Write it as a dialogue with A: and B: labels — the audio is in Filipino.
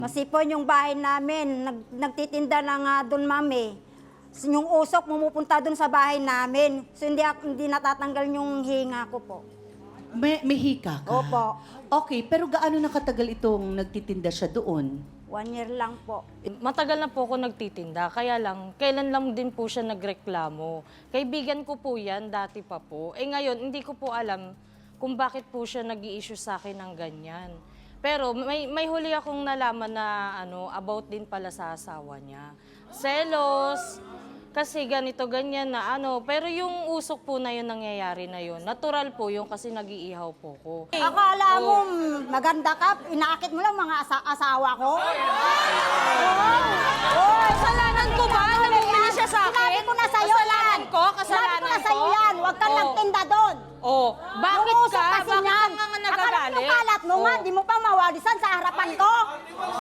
A: Masipon yung bahay namin. Nagtitinda na nga doon, mami. Yung usok, pumupunta doon sa bahay namin. So, hindi natatanggal yung hinga ko po.
B: May hika ka?
A: Opo.
B: Okay, pero gaano nakatagal itong nagtitinda siya doon?
A: 1 year lang po.
C: Matagal na po ako nagtitinda, kaya lang, kailan lang din po siya nagreklamo. Kaibigan ko po yan, dati pa po. Ngayon, hindi ko po alam kung bakit po siya nag-i-issue sa akin ng ganyan. Pero may huli akong nalaman na about din pala sa asawa niya. Selos, kasi ganito, ganyan na pero yung usok po na yun, nangyayari na yun. Natural po yung kasi nag-iihaw po ko.
A: Akala mo maganda ka, inaakit mo lang mga asawa ko?
C: Kasalanan ko ba? Namumili siya sa akin?
A: Sinabi ko na sa'yo yan.
C: Kasalanan
A: Sinabi ko na
C: ko?
A: sa'yo yan. Huwag kang nagtinda doon.
C: Bakit
A: Yung usok
C: ka?
A: kasi
C: Bakit
A: niyan.
C: ka nga
A: Akala mo
C: nagagalit?
A: kalat mo nga, di mo pa mawalisan sa harapan ko.